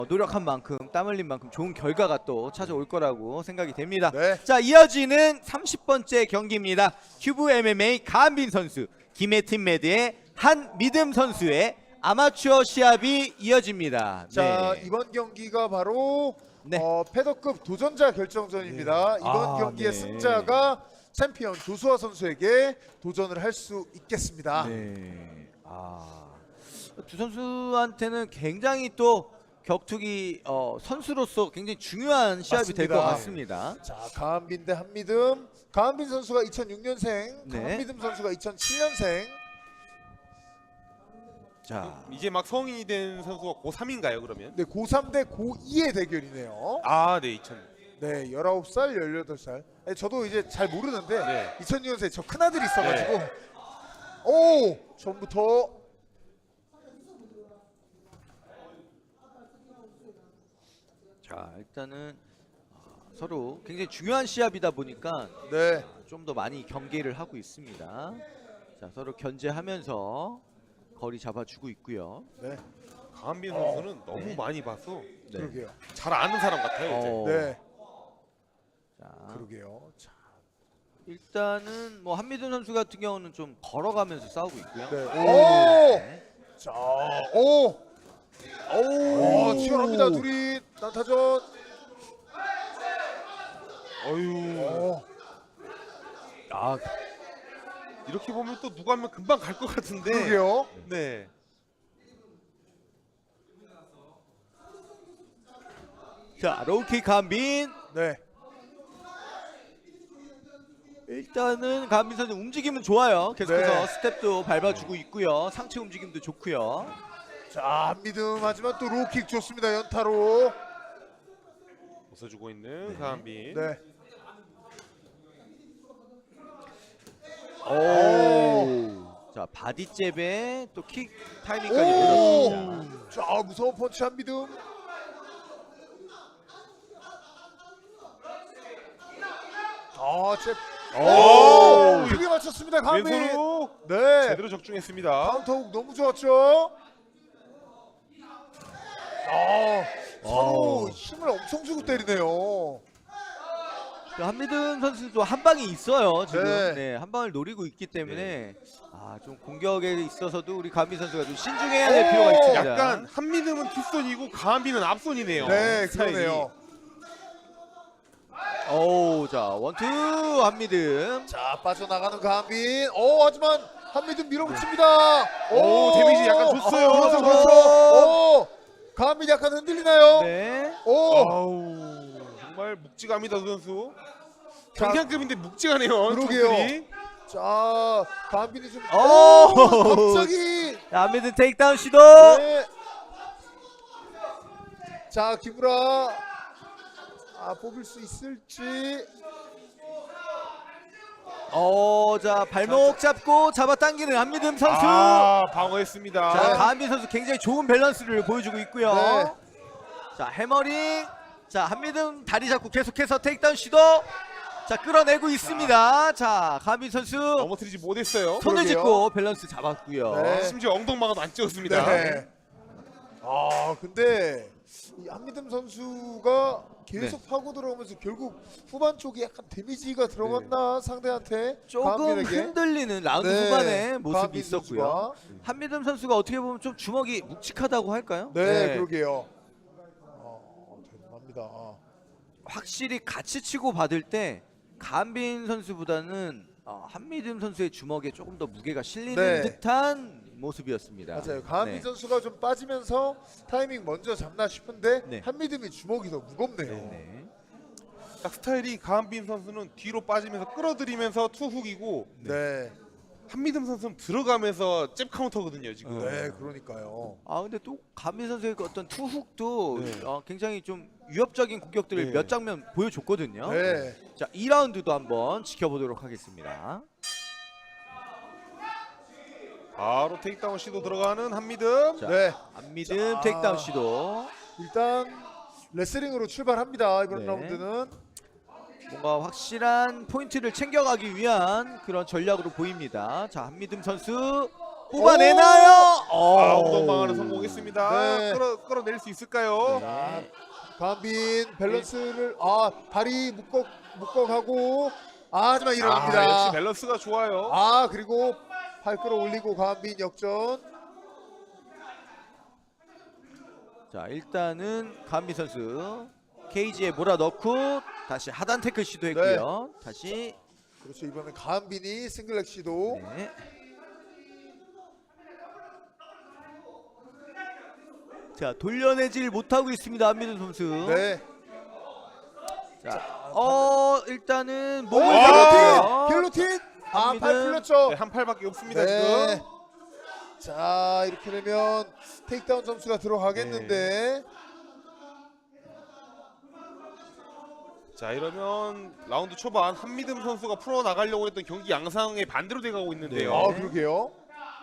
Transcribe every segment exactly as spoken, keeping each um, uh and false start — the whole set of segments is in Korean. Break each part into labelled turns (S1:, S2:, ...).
S1: 노력한 만큼 땀 흘린 만큼 좋은 결과가 또 찾아올 거라고 생각이 됩니다.
S2: 네.
S1: 자, 이어지는 삼십 번째 경기입니다. 큐브 엠엠에이 가한빈 선수, 김혜팀 매드의 한미듬 선수의 아마추어 시합이 이어집니다.
S2: 자,
S1: 네.
S2: 이번 경기가 바로
S1: 네.
S2: 어, 패더급 도전자 결정전입니다. 이번
S1: 아,
S2: 경기의
S1: 네.
S2: 승자가 챔피언 조수아 선수에게 도전을 할 수 있겠습니다.
S1: 네. 아, 두 선수한테는 굉장히 또 격투기 어, 선수로서 굉장히 중요한 시합이 될 것
S2: 맞습니다.
S1: 같습니다.
S2: 자, 가한빈 대 한미듬. 가한빈 선수가 이천육 년생,
S1: 네.
S2: 한미듬 선수가 이천칠 년생.
S1: 자,
S3: 이제 막 성인이 된 선수가 고삼인가요 그러면?
S2: 네, 고삼 대 고이의 대결이네요.
S3: 아, 네, 이천.
S2: 네, 열아홉 살, 열여덟 살. 네, 저도 이제 잘 모르는데
S3: 네.
S2: 이천육 년생 저 큰아들이 있어가지고 오! 전부터
S1: 자, 일단은 어, 서로 굉장히 중요한 시합이다 보니까
S2: 네,
S1: 좀 더 많이 경계를 하고 있습니다. 자, 서로 견제하면서 거리 잡아주고 있고요.
S2: 네,
S3: 가한빈 선수는 너무 많이 봐서
S1: 네.
S2: 그러게요.
S3: 잘 아는 사람 같아요. 이제.
S1: 어,
S2: 네,
S1: 자,
S2: 그러게요. 자,
S1: 일단은 뭐 한미듬 선수 같은 경우는 좀 걸어가면서 싸우고 있고요.
S2: 네,
S1: 오!
S2: 오! 자, 오! 오! 와, 치열합니다. 둘이 난타전.
S3: 어유.
S2: 오,
S1: 아,
S3: 이렇게 보면 또 누가 하면 금방 갈 것 같은데.
S2: 그러게요.
S3: 네.
S1: 자, 로우킥 가한빈.
S2: 네,
S1: 일단은 가한빈 선수 움직임은 좋아요. 계속해서
S2: 네.
S1: 스텝도 밟아주고 있고요. 상체 움직임도 좋고요.
S2: 자, 한미듬 하지만 또 로킥 좋습니다. 연타로.
S3: 웃어주고 있는 가한빈.
S2: 네.
S1: 오. 자, 바디 잽에 또 킥 타이밍까지
S2: 오!
S1: 내렸습니다.
S2: 자, 무서운 펀치 한미듬. 아, 잽.
S3: 오!
S2: 오! 크게 맞췄습니다. 가한빈.
S3: 왼손으로
S2: 네.
S3: 제대로 적중했습니다.
S2: 카운터훅 너무 좋았죠. 아, 서로
S1: 오.
S2: 힘을 엄청 주고 때리네요.
S1: 그 한미듬 선수도 한 방이 있어요. 지금
S2: 네.
S1: 네. 한 방을 노리고 있기 때문에 아, 좀 공격에 있어서도 우리 가한빈 선수가 좀 신중해야 될
S2: 오!
S1: 필요가 있습니다.
S3: 약간 한미듬은 뒷손이고 가한빈은 앞손이네요.
S2: 네,
S3: 스타일이.
S2: 그러네요.
S1: 오, 자, 원투 한미듬.
S2: 자, 빠져나가는 가한빈. 오, 하지만 한미듬 밀어붙입니다.
S3: 오, 데미지 약간 줬어요.
S2: 그렇죠,
S1: 오.
S2: 그렇죠. 오, 가한빈 약간 흔들리나요?
S1: 네.
S2: 오,
S3: 아우, 정말 묵직합니다 두 선수.
S2: 자,
S3: 경량급인데 묵직하네요.
S2: 그러게요.
S3: 선수들이.
S2: 자, 가한빈이 좀.
S1: 오.
S2: 갑자기.
S1: 자, 한미듬 테이크다운 시도.
S2: 네. 자, 기브라. 아, 뽑을 수 있을지.
S1: 어, 자, 발목 잡고 잡아당기는 한미듬 선수.
S3: 아, 방어했습니다.
S1: 자, 가한빈 선수 굉장히 좋은 밸런스를 보여주고 있고요.
S2: 네.
S1: 자, 해머링. 자, 한미듬 다리 잡고 계속해서 테이크다운 시도. 자, 끌어내고 있습니다. 자, 가한빈 선수
S3: 넘어뜨리지 못했어요.
S1: 손을
S2: 그러게요.
S1: 짚고 밸런스 잡았고요.
S2: 네.
S3: 심지어 엉덩방아도 안 찍었습니다.
S2: 네. 아, 근데 이 한미듬 선수가 계속 파고 들어오면서 결국 후반 쪽에 약간 데미지가 들어갔나 상대한테
S1: 조금
S2: 가한빈에게.
S1: 흔들리는 라운드
S2: 네,
S1: 후반에 모습이
S2: 가한빈
S1: 있었고요.
S2: 선수가.
S1: 한미듬 선수가 어떻게 보면 좀 주먹이 묵직하다고 할까요?
S2: 네, 그러게요. 어, 대단합니다.
S1: 확실히 같이 치고 받을 때 가한빈 선수보다는 어, 한미듬 선수의 주먹에 조금 더 무게가 실리는
S2: 네.
S1: 듯한 모습이었습니다.
S2: 맞아요. 가한빈
S1: 네.
S2: 선수가 좀 빠지면서 타이밍 먼저 잡나 싶은데
S1: 네.
S2: 한미듬이 주먹이 더 무겁네요.
S1: 네.
S3: 딱 스타일이 가한빈 선수는 뒤로 빠지면서 끌어들이면서 투훅이고
S2: 네.
S3: 한미듬 선수는 들어가면서 잽 카운터거든요 지금.
S2: 네, 그러니까요.
S1: 아, 근데 또 가한빈 선수의 그 어떤 투훅도
S3: 네.
S1: 어, 굉장히 좀 위협적인 공격들을
S3: 네.
S1: 몇 장면 보여줬거든요.
S2: 네.
S1: 자, 이 라운드도 한번 지켜보도록 하겠습니다.
S3: 바로 테이크다운 시도 들어가는 한미듬.
S1: 자,
S2: 네.
S1: 한미듬
S2: 자.
S1: 테이크다운 시도.
S2: 일단 레슬링으로 출발합니다. 이번
S1: 네.
S2: 라운드는.
S1: 뭔가 확실한 포인트를 챙겨가기 위한 그런 전략으로 보입니다. 자, 한미듬 선수 뽑아내나요?
S3: 아,
S1: 오.
S3: 엉덩 방어는 성공했습니다.
S2: 네.
S3: 끌어 끌어낼 수 있을까요?
S2: 자, 강빈 밸런스를 아 발이 묶어 묶어가고 아 하지만 일어납니다.
S3: 아, 역시 밸런스가 좋아요.
S2: 아 그리고 팔 끌어올리고 강빈 역전.
S1: 자, 일단은 강빈 선수 케이지에 몰아넣고 다시 하단 태클 시도했고요. 다시
S2: 그렇죠. 이번엔 강빈이 싱글렉 시도.
S1: 네. 자, 돌려내질 못하고 있습니다. 한민우 선수.
S2: 네.
S1: 자, 어 일단은
S2: 오
S1: 몸을
S2: 길로틴! 길로틴! 아
S1: 한빈은-
S2: 팔 풀렸죠.
S3: 네, 한 팔밖에 없습니다
S2: 네.
S3: 지금.
S2: 자 이렇게 되면 테이크다운 점수가 들어가겠는데.
S3: 자 이러면 라운드 초반 한미듬 선수가 풀어 나가려고 했던 경기 양상의 반대로 돼가고 있는데요.
S1: 네.
S2: 아 그러게요.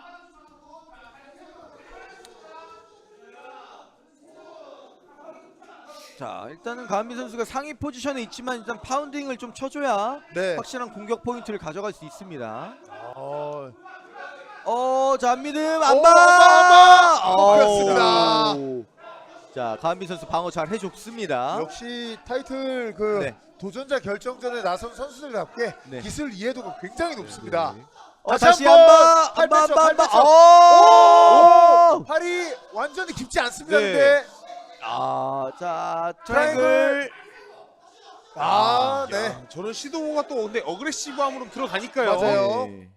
S1: 자, 일단은 강한빈 선수가 상위 포지션에 있지만 일단 파운딩을 좀 쳐줘야
S2: 네.
S1: 확실한 공격 포인트를 가져갈 수 있습니다.
S2: 어,
S1: 어, 자, 한미듬
S2: 오,
S1: 안바.
S2: 안바, 안바!
S1: 오.
S2: 먹혔습니다.
S1: 자, 강한빈 선수 방어 잘 해줬습니다.
S2: 역시 타이틀 그
S1: 네.
S2: 도전자 결정전에 나선 선수들답게
S1: 네.
S2: 기술 이해도가 굉장히 높습니다.
S1: 어, 다시 안바,
S2: 팔
S1: 안바,
S2: 뺐죠,
S1: 안바,
S2: 팔
S1: 안바.
S2: 뺐죠.
S1: 오!
S2: 오! 팔이 완전히 깊지 않습니다.
S3: 네.
S2: 근데
S1: 아, 자,
S2: 트라이앵글.
S1: 트라이앵글.
S2: 아, 네.
S3: 야, 저런 시도가 또 근데 어그레시브함으로 들어가니까요.
S2: 맞아요.
S1: 네.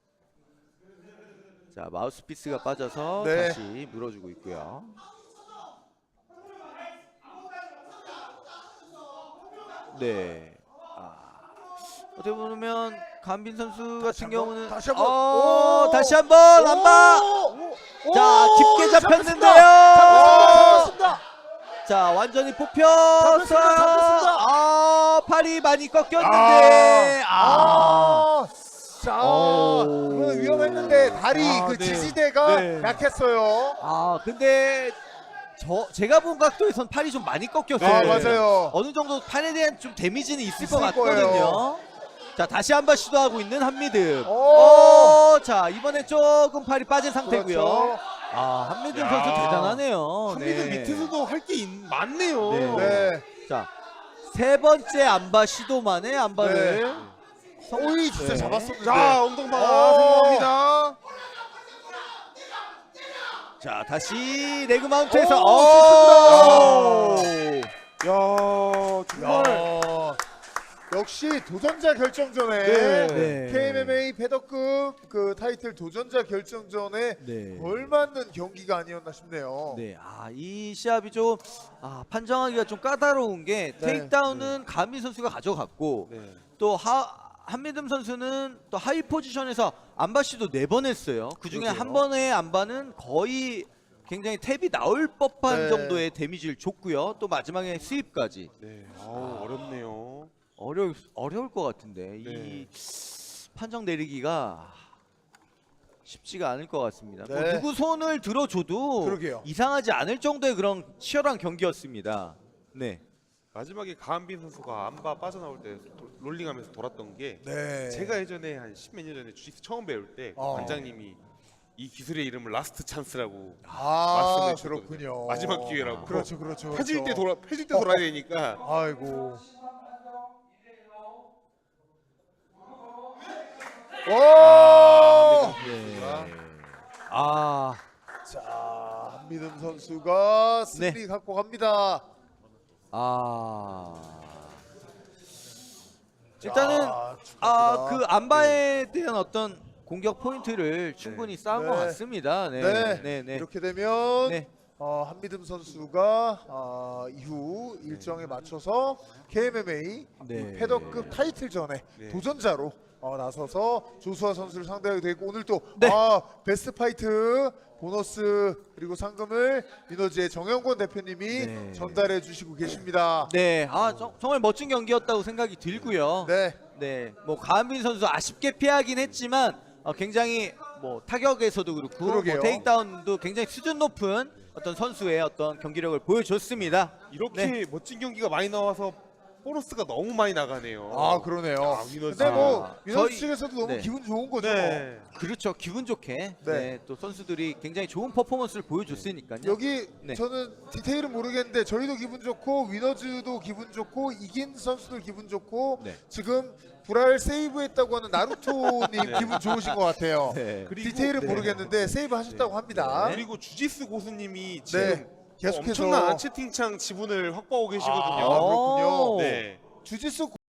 S1: 자, 마우스피스가 빠져서
S2: 네.
S1: 다시 물어주고 있고요. 네. 아, 어떻게 보면 강빈 선수 같은
S2: 한번,
S1: 경우는
S2: 다시 한번.
S1: 어,
S2: 오!
S1: 다시 한번 안바.
S2: 오! 오!
S1: 자, 깊게
S2: 잡혔습니다.
S1: 잡혔는데요.
S2: 잡혔습니다. 잡혔습니다.
S1: 자, 완전히 뽑혔어요.
S2: 잡혔습니다. 잡혔습니다.
S1: 아, 팔이 많이 꺾였는데. 아.
S2: 아, 자,
S1: 오.
S2: 이거는 위험했는데 다리
S3: 아,
S2: 그
S3: 네.
S2: 지지대가
S3: 네.
S2: 약했어요.
S1: 아, 근데 저 제가 본 각도에선 팔이 좀 많이 꺾였어요.
S2: 아, 맞아요.
S1: 어느 정도 팔에 대한 좀 데미지는 있을,
S2: 있을
S1: 것 같거든요.
S2: 거예요.
S1: 자, 다시 한번 시도하고 있는 한미듬.
S2: 오.
S1: 어, 자, 이번에 조금 팔이 빠진 상태고요.
S2: 그렇죠.
S1: 아, 한미듬
S3: 야.
S1: 선수 대단하네요.
S3: 한미듬
S1: 네.
S3: 밑에서도 할 게 많네요.
S1: 네.
S2: 네.
S1: 자, 세 번째 안바 시도만에 안바를
S2: 오이 진짜
S1: 네.
S2: 잡았었는데.
S3: 자 엉덩방아
S2: 오.
S3: 성공합니다.
S1: 자, 다시 레그 마운트에서
S2: 오,
S1: 오!
S3: 야 정말
S2: 야, 역시 도전자 결정전에
S3: 네.
S1: 네.
S2: 케이엠엠에이 패더급 그 타이틀 도전자 결정전에
S1: 네.
S2: 걸맞는 경기가 아니었나 싶네요.
S1: 네, 아, 이 시합이 좀 아, 판정하기가 좀 까다로운 게
S2: 네.
S1: 테이크다운은 강민 선수가 가져갔고
S3: 네.
S1: 또 하, 한미듬 선수는 또 하위 포지션에서 안바 시도 네 번 했어요. 그 중에
S2: 그러게요.
S1: 한 번의 안바는 거의 굉장히 탭이 나올 법한
S2: 네.
S1: 정도의 데미지를 줬고요. 또 마지막에 스윕까지
S3: 네. 아우, 어렵네요.
S1: 어려 어려울 것 같은데 이
S3: 네.
S1: 판정 내리기가 쉽지가 않을 것 같습니다. 뭐
S2: 네.
S1: 누구 손을 들어줘도
S2: 그러게요.
S1: 이상하지 않을 정도의 그런 치열한 경기였습니다. 네.
S3: 마지막에 가한빈 선수가 안바 빠져나올 때 도- 롤링하면서 돌았던 게
S2: 네.
S3: 제가 예전에 한 십몇 년 전에 주짓수 처음 배울 때
S2: 어.
S3: 관장님이 이 기술의 이름을 라스트 찬스라고
S2: 아,
S3: 말씀해 주셨거든요.
S2: 그렇군요.
S3: 마지막 기회라고.
S2: 그렇죠, 그렇죠.
S3: 펴질 때
S2: 그렇죠.
S3: 돌아 펴질 때 돌아야 되니까.
S2: 아이고. 오!
S1: 네. 아,
S2: 자, 한미듬 선수가 승리
S1: 네.
S2: 갖고 갑니다.
S1: 아. 일단은
S2: 자,
S1: 아,
S2: 축하합니다.
S1: 그 안바에 대한 어떤 공격 포인트를 충분히 쌓은 것
S2: 네.
S1: 같습니다. 네,
S2: 네,
S1: 네, 네.
S2: 이렇게 되면
S1: 네.
S2: 어, 한미듬 선수가 어, 이후 일정에 맞춰서 케이엠엠에이
S1: 네.
S2: 패더급 타이틀전에
S3: 네.
S2: 도전자로 어, 나서서 조수아 선수를 상대하게 되고 오늘 또
S1: 네.
S2: 아, 베스트 파이트 보너스 그리고 상금을 미너지의 정영권 대표님이
S1: 네.
S2: 전달해 주시고 계십니다.
S1: 네, 아 정, 정말 멋진 경기였다고 생각이 들고요.
S2: 네.
S1: 네, 뭐 가한빈 선수 아쉽게 피하긴 했지만 어, 굉장히 뭐 타격에서도 그렇고 뭐
S2: 그러게요.
S1: 테이크다운도 굉장히 수준 높은 어떤 선수의 어떤 경기력을 보여줬습니다.
S3: 이렇게
S1: 네.
S3: 멋진 경기가 많이 나와서 보너스가 너무 많이 나가네요.
S2: 아 그러네요.
S3: 아, 위너즈.
S2: 근데 뭐
S1: 아,
S2: 위너스
S1: 저희-
S2: 측에서도 너무
S1: 네.
S2: 기분 좋은 거죠.
S3: 네.
S1: 그렇죠. 기분 좋게
S2: 네.
S1: 네, 또 선수들이 굉장히 좋은 퍼포먼스를 보여줬으니까요.
S2: 여기
S1: 네.
S2: 저는 디테일은 모르겠는데 저희도 기분 좋고 위너즈도 기분 좋고 이긴 선수들 기분 좋고
S1: 네.
S2: 지금 불알 세이브했다고 하는 나루토님
S3: 네.
S2: 기분 좋으신 것 같아요.
S1: 네.
S3: 그리고
S2: 디테일은
S1: 네.
S2: 모르겠는데 세이브 하셨다고 합니다.
S1: 네.
S3: 그리고 주지스 고수님이
S2: 네.
S3: 지금
S2: 계속해서
S3: 엄청난 채팅창 지분을 확보하고 계시거든요.
S2: 아, 그렇군요.
S3: 네.
S2: 주짓수